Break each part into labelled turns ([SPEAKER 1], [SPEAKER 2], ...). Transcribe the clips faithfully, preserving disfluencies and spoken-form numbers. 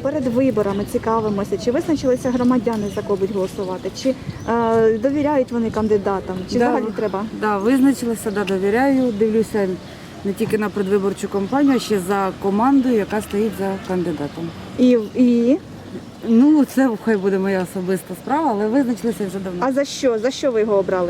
[SPEAKER 1] перед виборами цікавимося, чи визначилися громадяни, за кого будуть голосувати, чи е, довіряють вони кандидатам, чи
[SPEAKER 2] Да,
[SPEAKER 1] взагалі треба?
[SPEAKER 2] Да, визначилася, да, довіряю, дивлюся не тільки на предвиборчу кампанію, а ще за командою, яка стоїть за кандидатом.
[SPEAKER 1] І, і?
[SPEAKER 2] Ну, це хай буде моя особиста справа, але визначилися вже давно.
[SPEAKER 1] А за що? За що ви його обрали?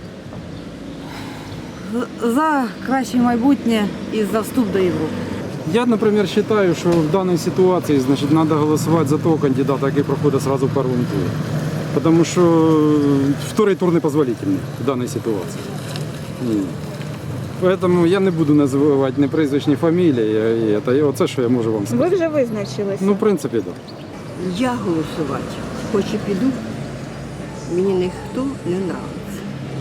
[SPEAKER 2] За краще майбутнє і за вступ до Європи.
[SPEAKER 3] Я, наприклад, вважаю, що в даній ситуації значить, треба голосувати за того кандидата, який проходить одразу в першому турі. Тому що второй тур не дозволительний в даній ситуації. Ні. Тому я не буду називати ні прізвищ, ні фамілії. І це, і оце, що я можу вам сказати.
[SPEAKER 1] Ви вже визначилися?
[SPEAKER 3] Ну, в принципі, так.
[SPEAKER 4] Я голосувати, хоч і піду, мені ніхто не нравиться.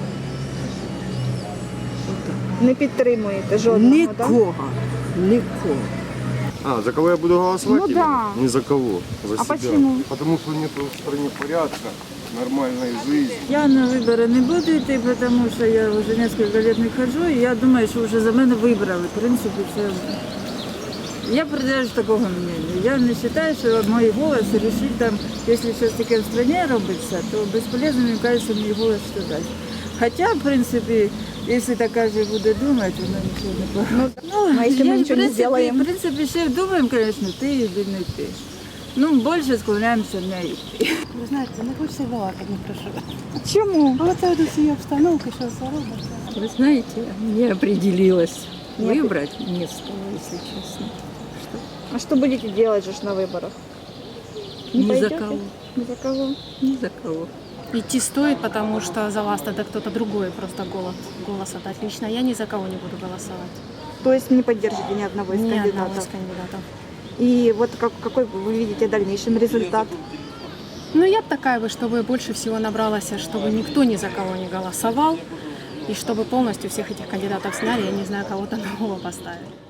[SPEAKER 1] Не підтримуєте жодного, так?
[SPEAKER 4] Нікого, нікого.
[SPEAKER 5] А, за кого я буду голосовать?
[SPEAKER 1] Ну
[SPEAKER 5] именно?
[SPEAKER 1] да.
[SPEAKER 5] Не за кого, за
[SPEAKER 1] А
[SPEAKER 5] себя.
[SPEAKER 1] почему?
[SPEAKER 5] Потому что нет в стране порядка, нормальной жизни.
[SPEAKER 2] Я на вибори не буду йти, тому що я вже кілька років не ходжу, і я думаю, що вже за мене вибрали. В принципі, це... Я придержуюсь такого мнення. Я не вважаю, що мій голос вирішить там, якщо щось таке в країні робиться, то безполезно, мені кажеться, мій голос що дасть. Хоча, в принципі, якщо так каже буде думати, воно нічого не погано.
[SPEAKER 1] Ну, а якщо ми
[SPEAKER 2] я,
[SPEAKER 1] нічого не
[SPEAKER 2] в принципі,
[SPEAKER 1] зробимо?
[SPEAKER 2] в принципі, ще думаємо, звісно, ти або не ти. Ну, більше склоняємося на йти.
[SPEAKER 6] Ви знаєте, не хочеться балакати, не прошу.
[SPEAKER 1] Чому?
[SPEAKER 6] А оце до цієї обстановки, що все робиться.
[SPEAKER 7] Вы знаете, не определилась
[SPEAKER 1] Не
[SPEAKER 7] выбрать место, если честно.
[SPEAKER 1] А що будете делать же ж на виборах? Не
[SPEAKER 7] Ни за
[SPEAKER 1] пойдете?
[SPEAKER 7] кого.
[SPEAKER 1] Ни за кого?
[SPEAKER 7] Ни за кого.
[SPEAKER 6] Идти стоит, потому что за вас тогда кто-то другой просто голос, голос отдать. Лично я ни за кого не буду голосовать.
[SPEAKER 1] То есть не поддержите ни одного из
[SPEAKER 6] Ни одного
[SPEAKER 1] кандидатов?
[SPEAKER 6] из кандидатов.
[SPEAKER 1] И вот как, какой вы видите дальнейший результат?
[SPEAKER 6] Ну, я б такая бы, чтобы больше всего набралось, чтобы никто ни за кого не голосовал, и чтобы полностью всех этих кандидатов сняли, я не знаю, кого-то нового поставили.